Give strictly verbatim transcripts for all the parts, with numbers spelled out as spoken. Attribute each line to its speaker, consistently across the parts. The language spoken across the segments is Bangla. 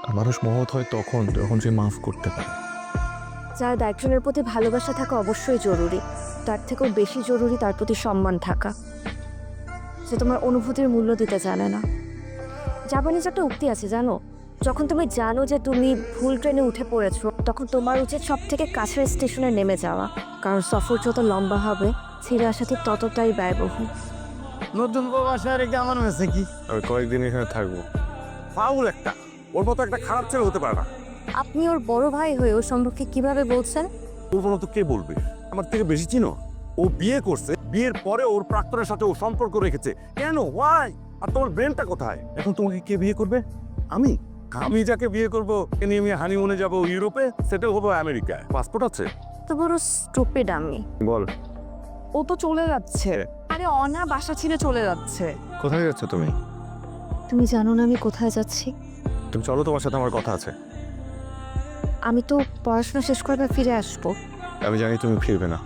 Speaker 1: আর মানুষ মহৎ হয় তখন যখন সে মাফ করতে পারে।
Speaker 2: যার একজনের প্রতি ভালোবাসা থাকা অবশ্যই জরুরি, তার থেকেও বেশি জরুরি তার প্রতি সম্মান থাকা, যে তোমার অনুভূতির মূল্য দিতে জানে না। জাপানিজ একটা উক্তি আছে জানো, যখন তুমি জানো যে তুমি ভুল ট্রেনে উঠে পড়েছো, তখন তোমার উচিত সব থেকে কাছের স্টেশনে নেমে যাওয়া, কারণ সফর যত লম্বা হবে ছিঁড়ে আসা ঠিক ততটাই ব্যয়বহুল।
Speaker 3: নতুন বউ বাসায় রেখে আমার হয়েছে কি?
Speaker 1: আমি কয়েকদিন এখানে থাকবো।
Speaker 3: ফাউল একটা, ওর মতো একটা খারাপ ছেলে হতে পারে না।
Speaker 2: আপনি ওর বড় ভাই হয়ে ওর সম্পর্কে কিভাবে বলছেন?
Speaker 3: ওর মতো কে বলবে? আমার থেকে বেশি চিনো? ও বিয়ে করছে, বিয়ের পরে ওর প্রাক্তনের সাথে ও সম্পর্ক রেখেছে। কেন? ওয়াই? আর তোমার ব্রেনটা কোথায়? এখন তোমাকে কে বিয়ে করবে? আমি আমি যাকে বিয়ে করবো এ নিয়ে আমি হানিমুনে যাবো ইউরোপে, সেটেল হবো আমেরিকায়। পাসপোর্ট আছে?
Speaker 2: তো বড় স্টুপিড আমি।
Speaker 3: বল।
Speaker 4: ও তো চলে যাচ্ছে। আরে অনা বাসা ছেড়ে চলে যাচ্ছে।
Speaker 1: কোথায় যাচ্ছ তুমি?
Speaker 2: তুমি জানো না আমি কোথায় যাচ্ছি?
Speaker 1: তুমি চলো, তোমার সাথে আমার কথা আছে।
Speaker 2: আমি তো পড়াশোনা শেষ করবে ফিরে আসবো।
Speaker 1: আমি জানি তুমি ফিরবে না।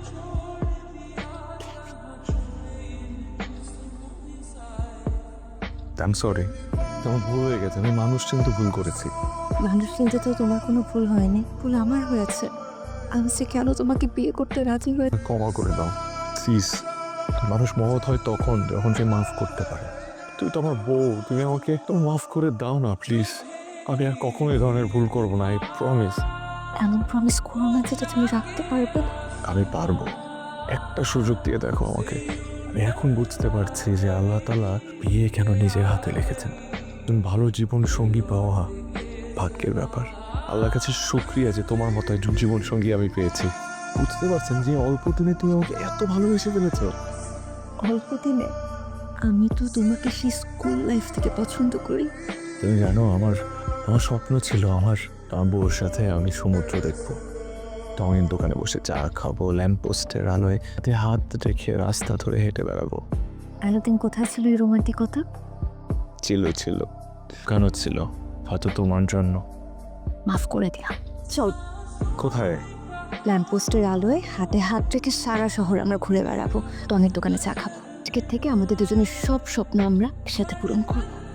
Speaker 1: আই এম সরি, তোমার ভুল হয়ে গেছে। আমি মানুষ চিনতে ভুল করেছি।
Speaker 2: মানুষ চিনতে তো তোমার কোনো ভুল হয়নি, ভুল আমার হয়েছে। আমি যে কেন তোমাকে বিয়ে করতে রাজি হয়ে।
Speaker 1: ক্ষমা করে দাও প্লিজ। মানুষ মহৎ হয় তখন যখন সে মাফ করতে পারে। তুই তো আমার বউ, তুমি আমাকে তো মাফ করে দাও না প্লিজ। আমি আর কখনো এই ধরনের ভুল করবো না, আই প্রমিস।
Speaker 2: এমন প্রমিস করো না যেটা তুমি রাখতে পারবে না।
Speaker 1: আমি পারবো, একটা সুযোগ দিয়ে দেখো আমাকে। আমি এখন বুঝতে পারছি যে আল্লাহ তাআলা বিয়ে কেন নিজের হাতে লিখেছেন। তুমি ভালো জীবন সঙ্গী পাওয়া ভাগ্যের ব্যাপার। আল্লাহর কাছে শুকরিয়া যে তোমার মতো একজন জীবন সঙ্গী আমি পেয়েছি। বুঝতে পারছেন যে অল্প দিনে তুমি আমাকে এত ভালোবেসে ফেলেছো।
Speaker 2: অল্প দিনে? আমি তো তোমাকে সেই স্কুল লাইফ থেকে পছন্দ করি।
Speaker 1: তুমি জানো, আমার আমার স্বপ্ন ছিল আমার আমার বউর সাথে আমি সমুদ্র দেখবো, টঙের দোকানে বসে চা খাবো, ল্যাম্প পোস্টের আলোয় হাতে হাত রেখে রাস্তা ধরে হেঁটে বেড়াবো।
Speaker 2: এতদিন কোথায় ছিল এই রোমান্টিকতা?
Speaker 1: ছিল ছিল কেন ছিল? হয়তো তোমার জন্য।
Speaker 2: মাফ করে দিলাম। চল,
Speaker 1: কোথায়?
Speaker 2: ল্যাম্পপোস্টের আলোয় হাতে হাত রেখে সারা শহর আমরা ঘুরে বেড়াবো, টঙের দোকানে চা খাবো। আজকের থেকে আমাদের দুজনের সব স্বপ্ন আমরা একসাথে পূরণ করবো।